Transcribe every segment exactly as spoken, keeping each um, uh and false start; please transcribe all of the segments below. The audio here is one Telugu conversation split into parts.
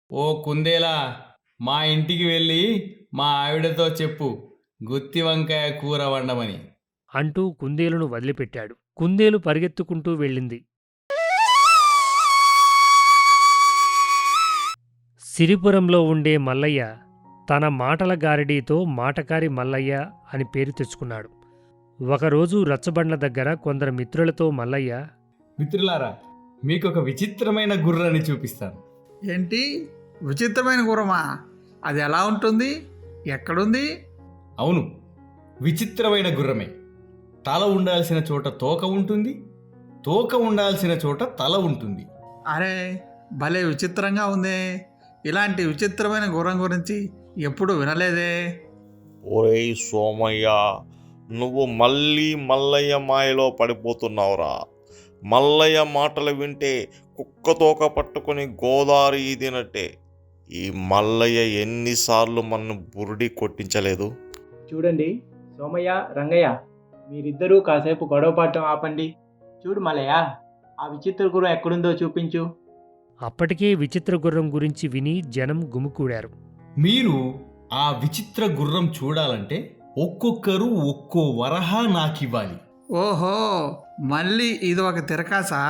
ఓ కుందేలా, మా ఇంటికి వెళ్ళి మా ఆవిడతో చెప్పు గుత్తి వంకాయ కూర వండమని. అంటూ కుందేలును వదిలిపెట్టాడు. కుందేలు పరిగెత్తుకుంటూ వెళ్ళింది. సిరిపురంలో ఉండే మల్లయ్య తన మాటల గారడీతో మాటకారి మల్లయ్య అని పేరు తెచ్చుకున్నాడు. ఒకరోజు రచ్చబండ్ల దగ్గర కొందరు మిత్రులతో మల్లయ్య, మిత్రులారా, మీకు ఒక విచిత్రమైన గుర్రాన్ని చూపిస్తాను. ఏంటి విచిత్రమైన గుర్రమా? అది ఎలా ఉంటుంది? ఎక్కడుంది? అవును, విచిత్రమైన గుర్రమే. తల ఉండాల్సిన చోట తోక ఉంటుంది, తోక ఉండాల్సిన చోట తల ఉంటుంది. అరే, భలే విచిత్రంగా ఉందే. ఇలాంటి విచిత్రమైన గుర్రం గురించి ఎప్పుడు వినలేదే. ఒరేయ్ సోమయ్య, నువ్వు మళ్ళీ మల్లయ్య మాయలో పడిపోతున్నావురా. మల్లయ్య మాటలు వింటే కుక్కతోక పట్టుకొని గోదావరి ఈదినట్టే. ఈ మల్లయ్య ఎన్నిసార్లు మన బురుడి కొట్టించలేదు. చూడండి సోమయ్య, రంగయ్య, మీరిద్దరూ కాసేపు గొడవ పడటం ఆపండి. చూడు మల్లయ్య, ఆ విచిత్ర గుర్రం ఎక్కడుందో చూపించు. అప్పటికే విచిత్ర గుర్రం గురించి విని జనం గుమికూడారు. మీరు ఆ విచిత్ర గుర్రం చూడాలంటే ఒక్కొక్కరు ఒక్కో వరహా నాకివ్వాలి. ఓహో, మళ్ళీ ఇది ఒక తిరకాసా?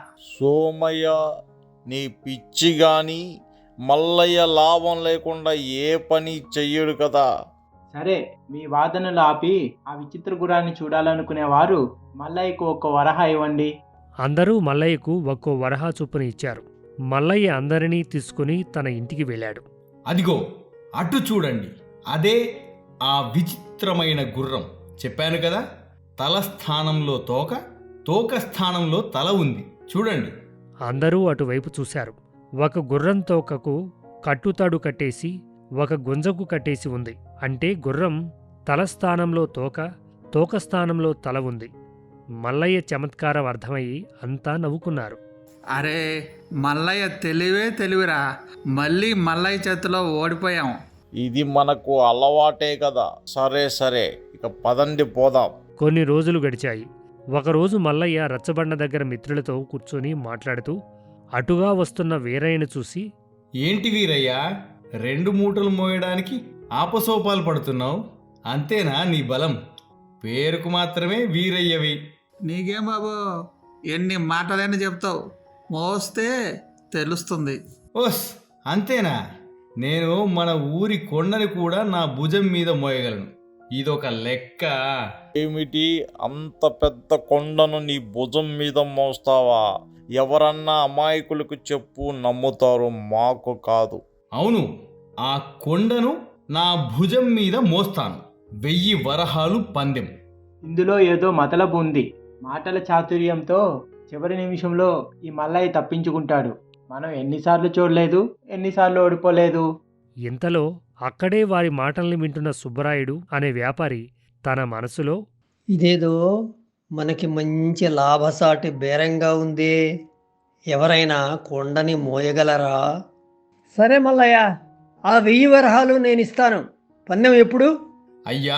సోమయ్య, నీ పిచ్చి గాని మల్లయ్య లాభం లేకుండా ఏ పని చెయ్యడు కదా. సరే, మీ వాదనలు ఆపి ఆ విచిత్ర గుర్రాన్ని చూడాలనుకునేవారు మల్లయ్యకు ఒక్క వరహా ఇవ్వండి. అందరూ మల్లయ్యకు ఒక్కో వరహా చొప్పున ఇచ్చారు. మల్లయ్య అందరినీ తీసుకుని తన ఇంటికి వెళ్ళాడు. అదిగో అటు చూడండి, అదే ఆ విచిత్రమైన గుర్రం. చెప్పాను కదా, తల స్థానంలో తోక, తోక స్థానంలో తల ఉంది. చూడండి. అందరూ అటువైపు చూశారు. ఒక గుర్రం తోకకు కట్టుతాడు కట్టేసి ఒక గుంజకు కట్టేసి ఉంది. అంటే గుర్రం తల స్థానంలో తోక, తోక స్థానంలో తల ఉంది. మల్లయ్య చమత్కారం అర్థమయ్యి అంతా నవ్వుకున్నారు. అరే, మల్లయ్య తెలివే తెలివిరా. మళ్ళీ మల్లయ్య చేతిలో ఓడిపోయాం. ఇది మనకు అలవాటే కదా. సరే సరే, ఇక పదండి పోదాం. కొన్ని రోజులు గడిచాయి. ఒకరోజు మల్లయ్య రచ్చబండ దగ్గర మిత్రులతో కూర్చొని మాట్లాడుతూ అటుగా వస్తున్న వీరయ్యను చూసి, ఏంటి వీరయ్యా, రెండు మూటలు మోయడానికి ఆపసోపాలు పడుతున్నావు? అంతేనా నీ బలం? పేరుకు మాత్రమే వీరయ్యవి. నీకేం బాబు, ఎన్ని మాటలైనా చెప్తావు. మోస్తే తెలుస్తుంది. ఓస్, అంతేనా? నేను మన ఊరి కొండని కూడా నా భుజం మీద మోయగలను. ఇదొక లెక్క. ఏమిటి, అంత పెద్ద కొండను నీ భుజం మీద మోస్తావా? ఎవరన్నా అమాయకులకు చెప్పు, నమ్ముతారు, మాకు కాదు. అవును, ఆ కొండను నా భుజం మీద మోస్తాను. వెయ్యి వరహాలు పందెం. ఇందులో ఏదో మతలబు ఉంది. మాటల చాతుర్యంతో చివరి నిమిషంలో ఈ మల్లయ్య తప్పించుకుంటాడు. మనం ఎన్నిసార్లు చూడలేదు, ఎన్నిసార్లు ఓడిపోలేదు. ఇంతలో అక్కడే వారి మాటల్ని వింటున్న సుబ్బరాయుడు అనే వ్యాపారి తన మనసులో, ఇదేదో మనకి మంచి లాభసాటి బేరంగా ఉంది. ఎవరైనా కొండని మోయగలరా? సరే మల్లయ్య, ఆ వెయ్యి వరహాలు నేను ఇస్తాను. పందెం ఎప్పుడు? అయ్యా,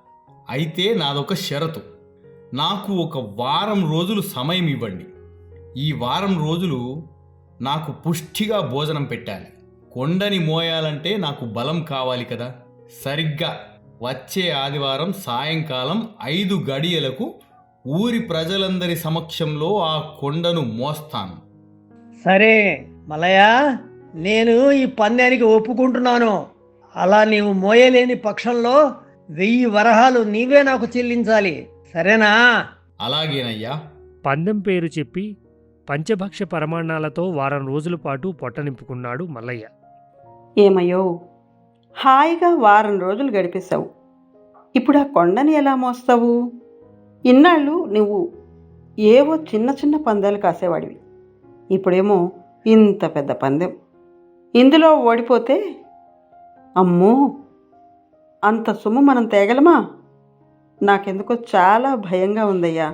అయితే నాదొక షరతు. నాకు ఒక వారం రోజులు సమయం ఇవ్వండి. ఈ వారం రోజులు నాకు పుష్టిగా భోజనం పెట్టాలి. కొండని మోయాలంటే నాకు బలం కావాలి కదా. సరిగ్గా వచ్చే ఆదివారం సాయంకాలం ఐదు గడియలకు ఊరి ప్రజలందరి సమక్షంలో ఆ కొండను మోస్తాను. సరే మల్లయ్య, నేను ఈ పందెనికి ఒప్పుకుంటున్నాను. అలా నీవు మోయలేని పక్షంలో వెయ్యి వరహాలు నీవే నాకు చెల్లించాలి. సరేనా? అలాగేనయ్యా. పందెం పేరు చెప్పి పంచభక్ష పరమాన్నాలతో వారం రోజుల పాటు పొట్ట నింపుకున్నాడు మల్లయ్య. ఏమయ్యో, హాయిగా వారం రోజులు గడిపేశావు. ఇప్పుడు ఆ కొండని ఎలా మోస్తావు? ఇన్నాళ్ళు నువ్వు ఏవో చిన్న చిన్న పందాలు కాసేవాడివి. ఇప్పుడేమో ఇంత పెద్ద పందెం. ఇందులో ఓడిపోతే అమ్మో, అంత సొమ్ము మనం తేగలమా? నాకెందుకో చాలా భయంగా ఉందయ్యా.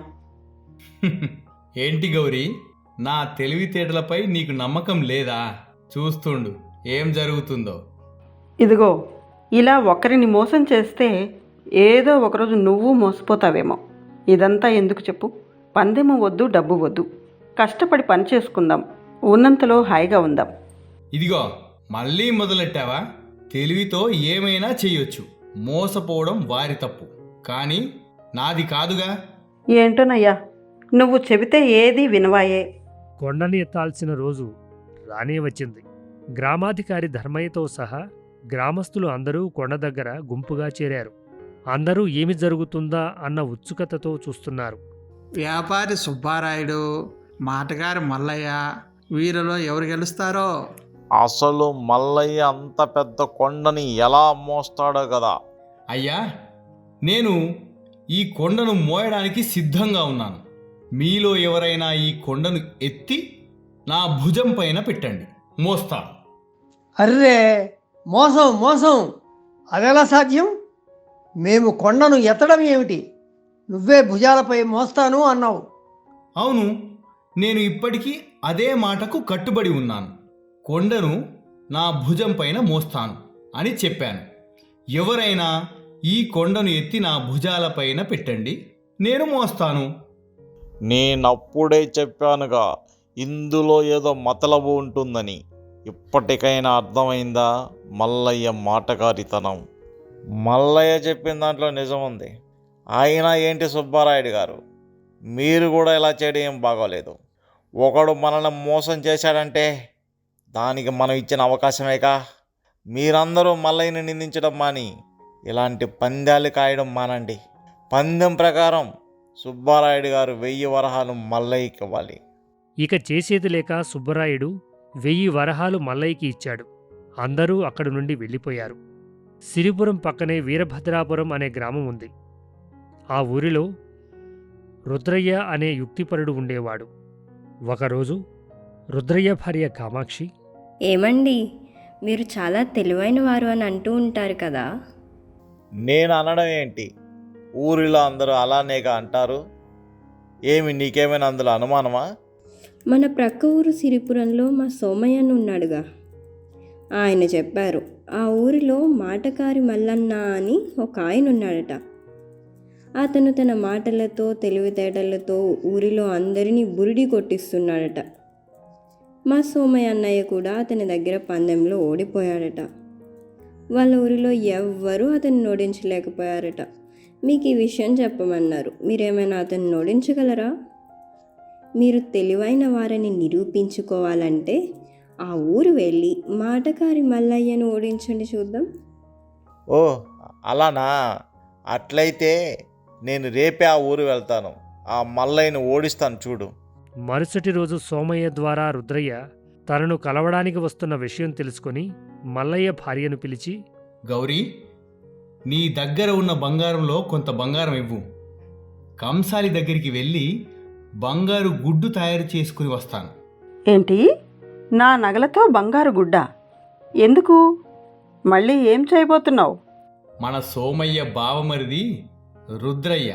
ఏంటి గౌరీ, నా తెలివితేటలపై నీకు నమ్మకం లేదా? చూస్తుండు ఏం జరుగుతుందో. ఇదిగో, ఇలా ఒకరిని మోసం చేస్తే ఏదో ఒకరోజు నువ్వు మోసపోతావేమో. ఇదంతా ఎందుకు చెప్పు? పందెము వద్దు, డబ్బు వద్దు. కష్టపడి పని చేసుకుందాం, ఉన్నంతలో హాయిగా ఉందాం. ఇదిగో, మళ్ళీ మొదలెట్టావా? తెలివితో ఏమైనా చెయ్యొచ్చు. మోసపోవడం వారి తప్పు, కానీ నాది కాదుగా. ఏంటోనయ్యా, నువ్వు చెబితే ఏది వినవాయే. కొండని ఎత్తాల్సిన రోజు రానే వచ్చింది. గ్రామాధికారి ధర్మయ్యతో సహా గ్రామస్తులు అందరూ కొండ దగ్గర గుంపుగా చేరారు. అందరూ ఏమి జరుగుతుందా అన్న ఉత్సుకతతో చూస్తున్నారు. వ్యాపారి సుబ్బారాయుడు, మాటగారి మల్లయ్య, వీరిలో ఎవరు గెలుస్తారో. అసలు మల్లయ్య అంత పెద్ద కొండని ఎలా మోస్తాడో కదా. అయ్యా, నేను ఈ కొండను మోయడానికి సిద్ధంగా ఉన్నాను. మీలో ఎవరైనా ఈ కొండను ఎత్తి నా భుజం పైన పెట్టండి, మోస్తాను. అర్రే, మోసం మోసం! అదెలా సాధ్యం? మేము కొండను ఎత్తడం ఏమిటి? నువ్వే భుజాలపై మోస్తాను అన్నావు. అవును, నేను ఇప్పటికీ అదే మాటకు కట్టుబడి ఉన్నాను. కొండను నా భుజం పైన మోస్తాను అని చెప్పాను. ఎవరైనా ఈ కొండను ఎత్తి నా భుజాలపైన పెట్టండి, నేను మోస్తాను. నేనప్పుడే చెప్పానుగా ఇందులో ఏదో మతలబు ఉంటుందని. ఇప్పటికైనా అర్థమైందా మల్లయ్య మాటగారితనం? మల్లయ్య చెప్పిన దాంట్లో నిజం ఉంది. అయినా ఏంటి సుబ్బారాయుడు గారు, మీరు కూడా ఇలా చేయడం ఏం బాగోలేదు. ఒకడు మనల్ని మోసం చేశాడంటే దానికి మనం ఇచ్చిన అవకాశమేగా. మీరందరూ మల్లయ్యని నిందించడం మాని ఇలాంటి పందాలు కాయడం మానండి. పందెం ప్రకారం సుబ్బారాయుడు గారు వెయ్యి వరహాలు మల్లయ్యకి ఇవ్వాలి. ఇక చేసేది లేక సుబ్బరాయుడు వెయ్యి వరహాలు మల్లయ్యకి ఇచ్చాడు. అందరూ అక్కడి నుండి వెళ్ళిపోయారు. సిరిపురం పక్కనే వీరభద్రాపురం అనే గ్రామం ఉంది. ఆ ఊరిలో రుద్రయ్య అనే యుక్తిపరుడు ఉండేవాడు. ఒకరోజు రుద్రయ్య భార్య కామాక్షి, ఏమండి, మీరు చాలా తెలివైన వారు అని అంటూ ఉంటారు కదా. నేను అనడం ఏంటి, ఊరిలో అందరూ అలానేగా అంటారు. ఏమి నీకేమైనా అందులో అనుమానమా? మన ప్రక్క ఊరు సిరిపురంలో మా సోమయ్యను ఉన్నాడుగా, ఆయన చెప్పారు ఆ ఊరిలో మాటకారి మల్లన్న అని ఒక ఆయన ఉన్నాడట. అతను తన మాటలతో తెలివితేటలతో ఊరిలో అందరినీ బురిడి కొట్టిస్తున్నాడట. మా సోమయ్య అన్నయ్య కూడా అతని దగ్గర పందెంలో ఓడిపోయాడట. వాళ్ళ ఊరిలో ఎవ్వరూ అతన్ని ఓడించలేకపోయారట. మీకు ఈ విషయం చెప్పమన్నారు. మీరేమైనా అతన్ని ఓడించగలరా? మీరు తెలివైన వారిని నిరూపించుకోవాలంటే ఆ ఊరు వెళ్ళి మాటకారి మల్లయ్యను ఓడించండి చూద్దాం. ఓ అలానా? అట్లయితే నేను రేపే ఆ ఊరు వెళ్తాను, ఆ మల్లయ్యను ఓడిస్తాను చూడు. మరుసటి రోజు సోమయ్య ద్వారా రుద్రయ్య తనను కలవడానికి వస్తున్న విషయం తెలుసుకొని మల్లయ్య భార్యను పిలిచి, గౌరీ, నీ దగ్గర ఉన్న బంగారంలో కొంత బంగారం ఇవ్వు. కంసాలి దగ్గరికి వెళ్ళి బంగారు గుడ్డు తయారు చేసుకుని వస్తాను. ఏంటి, నా నగలతో బంగారు గుడ్డ? ఎందుకు? మళ్ళీ ఏం చేయబోతున్నావు? మన సోమయ్య బావమరిది రుద్రయ్య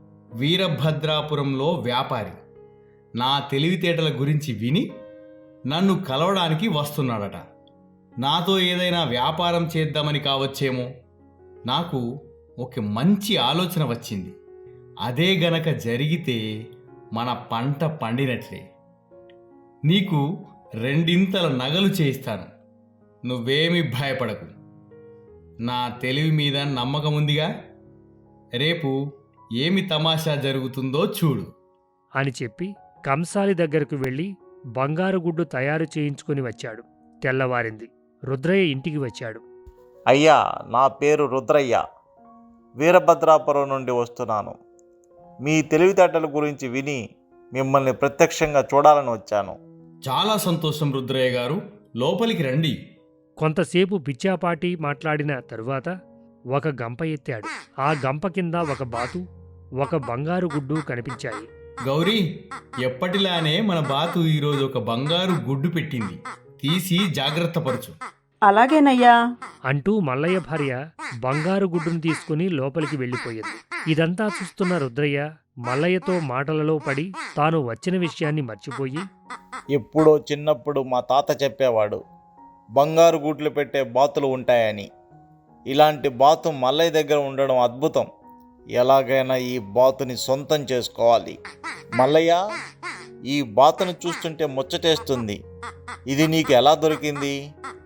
వీరభద్రాపురంలో వ్యాపారి నా తెలివితేటల గురించి విని నన్ను కలవడానికి వస్తున్నాడట. నాతో ఏదైనా వ్యాపారం చేద్దామని కావచ్చేమో. నాకు ఒక మంచి ఆలోచన వచ్చింది. అదే గనక జరిగితే మన పంట పండినట్లే. నీకు రెండింతల నగలు చేయిస్తాను. నువ్వేమీ భయపడకు. నా తెలివి మీద నమ్మకం ఉందిగా. రేపు ఏమి తమాషా జరుగుతుందో చూడు అని చెప్పి కంసాలి దగ్గరకు వెళ్ళి బంగారు గుడ్డు తయారు చేయించుకుని వచ్చాడు. తెల్లవారింది. రుద్రయ్య ఇంటికి వచ్చాడు. అయ్యా, నా పేరు రుద్రయ్య, వీరభద్రాపురం నుండి వస్తున్నాను. మీ తెలివితేటల గురించి విని మిమ్మల్ని ప్రత్యక్షంగా చూడాలని వచ్చాను. చాలా సంతోషం రుద్రయ్య గారు, లోపలికి రండి. కొంతసేపు పిచ్చాపాటి మాట్లాడిన తరువాత ఒక గంప ఎత్తాడు. ఆ గంప కింద ఒక బాతు, ఒక బంగారు గుడ్డు కనిపించాయి. గౌరీ, ఎప్పటిలానే మన బాతు ఈరోజు ఒక బంగారు గుడ్డు పెట్టింది. తీసి జాగ్రత్త పరచు. అలాగేనయ్యా అంటూ మల్లయ్య భార్య బంగారు గుడ్డును తీసుకుని లోపలికి వెళ్ళిపోయింది. ఇదంతా చూస్తున్న రుద్రయ్య మల్లయ్యతో మాటలలో పడి తాను వచ్చిన విషయాన్ని మర్చిపోయి, ఎప్పుడో చిన్నప్పుడు మా తాత చెప్పేవాడు, బంగారు గుడ్లు పెట్టే బాతులు ఉంటాయని. ఇలాంటి బాతు మల్లయ్య దగ్గర ఉండడం అద్భుతం. ఎలాగైనా ఈ బాతుని సొంతం చేసుకోవాలి. మల్లయ్య, ఈ బాతును చూస్తుంటే ముచ్చటేస్తుంది. ఇది నీకు ఎలా దొరికింది?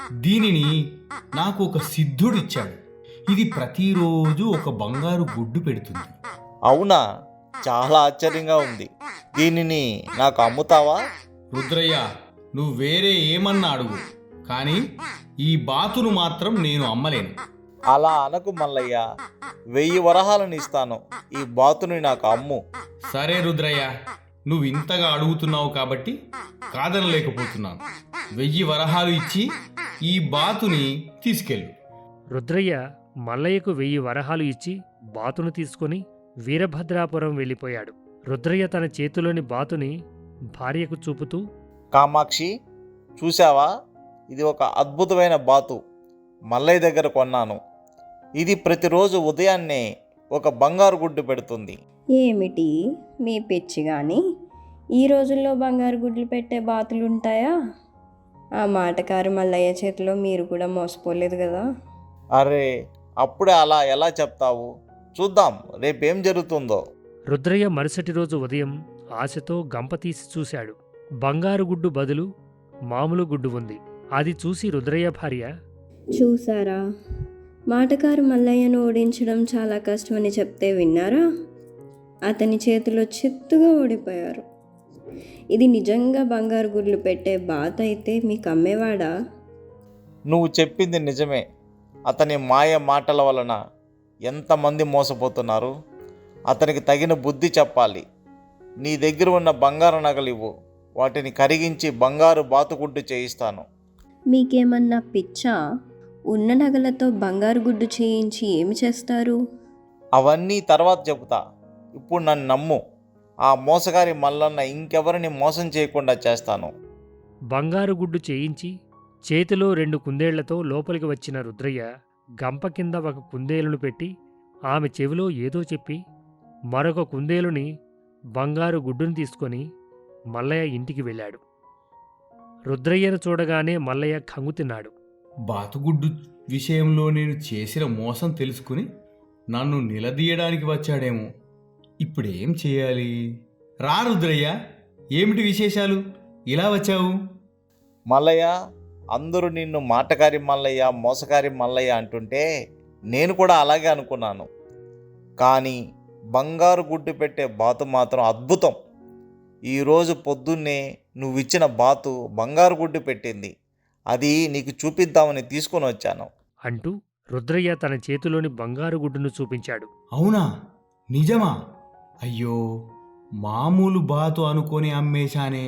దీనిని నాకు ఒక సిద్ధుడిచ్చాడు. ఇది ప్రతిరోజు ఒక బంగారు గుడ్డు పెడుతుంది. అవునా, చాలా ఆశ్చర్యంగా ఉంది. దీనిని నాకు అమ్ముతావా? రుద్రయ్య, నువ్వు వేరే ఏమన్నా అడుగు, కానీ ఈ బాతును మాత్రం నేను అమ్మలేను. అలా అనకు మల్లయ్య, వెయ్యి వరహాలను ఇస్తాను, ఈ బాతుని నాకు అమ్ము. సరే రుద్రయ్య, నువ్వు ఇంతగా అడుగుతున్నావు కాబట్టి కాదనలేకపోతున్నాను. వెయ్యి వరహాలు ఇచ్చి ఈ బాతుని తీసుకెళ్ళు. రుద్రయ్య మల్లయ్యకు వెయ్యి వరహాలు ఇచ్చి బాతును తీసుకొని వీరభద్రాపురం వెళ్ళిపోయాడు. రుద్రయ్య తన చేతిలోని బాతుని భార్యకు చూపుతూ, కామాక్షి, చూసావా, ఇది ఒక అద్భుతమైన బాతు మల్లయ్య దగ్గర కొన్నాను. ఇది ప్రతిరోజు ఉదయాన్నే ఒక బంగారు గుడ్డు పెడుతుంది. ఏమిటి మీ పిచ్చి కానీ ఈ రోజుల్లో బంగారు గుడ్లు పెట్టే బాతులుంటాయా? ఆ మాటకారు మల్లయ్య చేతిలో మీరు కూడా మోసపోలేదు కదా. అరే, అప్పుడే అలా ఎలా చెప్తావు? చూద్దాం రేపేం జరుగుతుందో. రుద్రయ్య మరుసటి రోజు ఉదయం ఆశతో గంప తీసి చూశాడు. బంగారు గుడ్డు బదులు మామూలు గుడ్డు ఉంది. అది చూసి రుద్రయ్య భార్య, చూసారా, మాటకారు మల్లయ్యను ఓడించడం చాలా కష్టమని చెప్తే విన్నారా? అతని చేతిలో చిత్తుగా ఓడిపోయారు. ఇది నిజంగా బంగారు గుడ్లు పెట్టే బాత అయితే మీకు అమ్మేవాడా? నువ్వు చెప్పింది నిజమే. అతని మాయ మాటల వలన ఎంతమంది మోసపోతున్నారు. అతనికి తగిన బుద్ధి చెప్పాలి. నీ దగ్గర ఉన్న బంగారు నగలు ఇవ్వు, వాటిని కరిగించి బంగారు బాతుగుడ్డు చేయిస్తాను. మీకేమన్నా పిచ్చా? ఉన్న నగలతో బంగారు గుడ్డు చేయించి ఏమి చేస్తారు? అవన్నీ తర్వాత చెబుతా. ఇప్పుడు నన్ను నమ్ము. ఆ మోసగారి మల్లన్న ఇంకెవరిని మోసం చేయకుండా చేస్తాను. బంగారు గుడ్డు చేయించి చేతిలో రెండు కుందేళ్లతో లోపలికి వచ్చిన రుద్రయ్య గంప కింద ఒక కుందేలును పెట్టి ఆమె చెవిలో ఏదో చెప్పి మరొక కుందేలుని బంగారు గుడ్డును తీసుకొని మల్లయ్య ఇంటికి వెళ్ళాడు. రుద్రయ్యను చూడగానే మల్లయ్య ఖంగు తిన్నాడు. బాతుగుడ్డు విషయంలో నేను చేసిన మోసం తెలుసుకుని నన్ను నిలదీయడానికి వచ్చాడేమో. ఇప్పుడేం చేయాలి? రా రుద్రయ్య, ఏమిటి విశేషాలు? ఇలా వచ్చావు? మల్లయ్య, అందరూ నిన్ను మాటకారి మల్లయ్య, మోసకారి మల్లయ్య అంటుంటే నేను కూడా అలాగే అనుకున్నాను. కానీ బంగారు గుడ్డు పెట్టే బాతు మాత్రం అద్భుతం. ఈరోజు పొద్దున్నే నువ్విచ్చిన బాతు బంగారు గుడ్డు పెట్టింది. అది నీకు చూపిద్దామని తీసుకొని వచ్చాను అంటూ రుద్రయ్య తన చేతిలోని బంగారు గుడ్డును చూపించాడు. అవునా? నిజమా? అయ్యో, మామూలు బాతు అనుకొని అమ్మేశానే.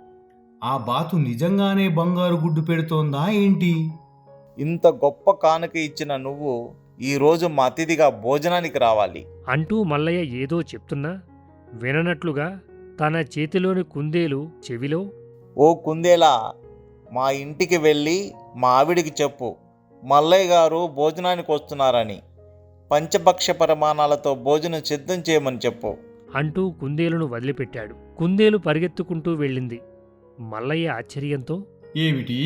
ఆ బాతు నిజంగానే బంగారు గుడ్డు పెడుతోందా ఏంటి? ఇంత గొప్ప కానుక ఇచ్చిన నువ్వు ఈరోజు మా అతిథిగా భోజనానికి రావాలి అంటూ మల్లయ్య ఏదో చెప్తున్నా విననట్లుగా తన చేతిలోని కుందేలు చెవిలో, ఓ కుందేలా, మా ఇంటికి వెళ్ళి మా ఆవిడికి చెప్పు, మల్లయ్య గారు భోజనానికి వస్తున్నారని. పంచభక్ష పరిమాణాలతో భోజనం సిద్ధం చేయమని చెప్పు అంటూ కుందేలును వదిలిపెట్టాడు. కుందేలు పరిగెత్తుకుంటూ వెళ్ళింది. మల్లయ్య ఆశ్చర్యంతో, ఏమిటి,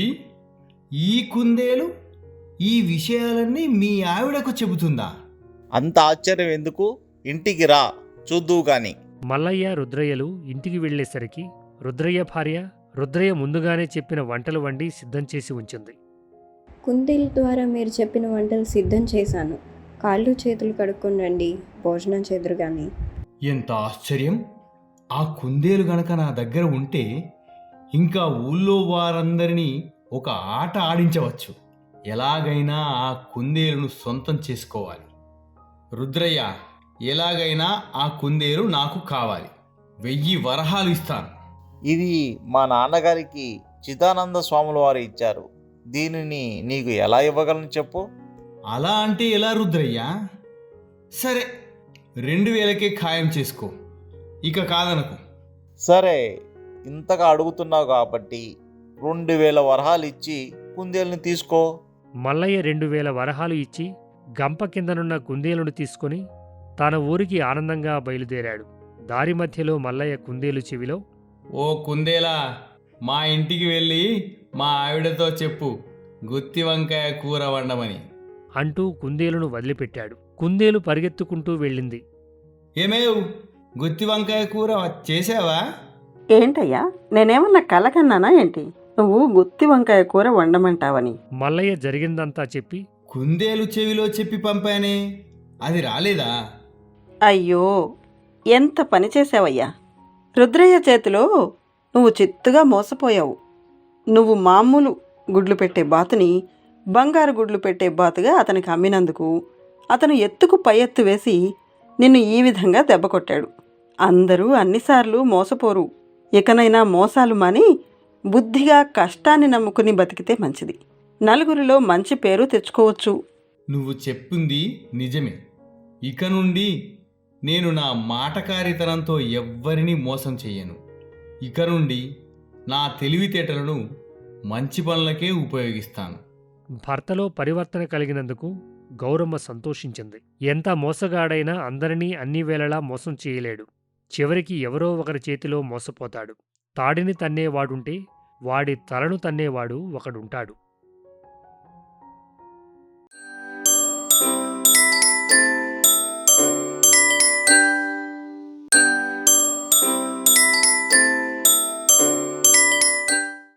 ఈ కుందేలు ఈ విషయాలన్నీ మీ ఆవిడకు చెబుతుందా? అంత ఆశ్చర్యం ఎందుకు? ఇంటికి రా, చూద్దువు గాని. మల్లయ్య రుద్రయ్యలు ఇంటికి వెళ్ళేసరికి రుద్రయ్య భార్య రుద్రయ్య ముందుగానే చెప్పిన వంటలు వండి సిద్ధం చేసి ఉంచింది. కుందేలు ద్వారా మీరు చెప్పిన వంటలు సిద్ధం చేశాను. కాళ్ళు చేతులు కడుక్కొని రండి, భోజనం చేదురు కానీ. ఎంత ఆశ్చర్యం! ఆ కుందేలు గనక నా దగ్గర ఉంటే ఇంకా ఊళ్ళో వారందరినీ ఒక ఆట ఆడించవచ్చు. ఎలాగైనా ఆ కుందేలును సొంతం చేసుకోవాలి. రుద్రయ్య, ఎలాగైనా ఆ కుందేలు నాకు కావాలి. వెయ్యి వరహాలు ఇస్తాను. ఇది మా నాన్నగారికి చిదానంద స్వాముల వారు ఇచ్చారు. దీనిని నీకు ఎలా ఇవ్వగలను చెప్పు. అలా అంటే ఎలా రుద్రయ్య? సరే, రెండు వేలకే ఖాయం చేసుకో, ఇక కాదనకు. సరే, ఇంతగా అడుగుతున్నావు కాబట్టి రెండు వేల వరహాలు ఇచ్చి కుందేలుని తీసుకో. మల్లయ్య రెండు వేల వరహాలు ఇచ్చి గంప కిందనున్న కుందేలును తీసుకొని తన ఊరికి ఆనందంగా బయలుదేరాడు. దారి మధ్యలో మల్లయ్య కుందేలు చెవిలో, ఓ కుందేలా, మా ఇంటికి వెళ్ళి మా ఆవిడతో చెప్పు, గుత్తి వంకాయ కూర వండమని అంటూ కుందేలును వదిలిపెట్టాడు. కుందేలు పరిగెత్తుకుంటూ వెళ్ళింది. ఏమేవ్, గుత్తి వంకాయ కూర చేసావా? ఏంటయ్యా, నేనేమన్నా కలకన్నానా ఏంటి? నువ్వు గుత్తి వంకాయ కూర వండమంటావని. మల్లయ్య జరిగిందంతా చెప్పి కుందేలు చెవిలో చెప్పి పంపానే, అది రాలేదా? అయ్యో, ఎంత పని చేసావయ్యా! రుద్రయ్య చేతిలో నువ్వు చిత్తుగా మోసపోయావు. నువ్వు మామూలు గుడ్లు పెట్టే బాతుని బంగారు గుడ్లు పెట్టే బాతుగా అతనికి అమ్మినందుకు అతను ఎత్తుకు పై ఎత్తు వేసి నిన్ను ఈ విధంగా దెబ్బ కొట్టాడు. అందరూ అన్నిసార్లు మోసపోరు. ఇకనైనా మోసాలు మాని బుద్ధిగా కష్టాన్ని నమ్ముకుని బతికితే మంచిది. నలుగురిలో మంచి పేరు తెచ్చుకోవచ్చు. నువ్వు చెప్పింది నిజమే. ఇక నుండి నేను నా మాటకారితనంతో ఎవ్వరినీ మోసం చెయ్యను. ఇక నుండి నా తెలివితేటలను మంచి పనులకే ఉపయోగిస్తాను. భర్తలో పరివర్తన కలిగినందుకు గౌరమ్మ సంతోషించింది. ఎంత మోసగాడైనా అందరినీ అన్ని వేళలా మోసం చేయలేడు. చివరికి ఎవరో ఒకరి చేతిలో మోసపోతాడు. తాడిని తన్నేవాడుంటే వాడి తలను తన్నేవాడు ఒకడుంటాడు.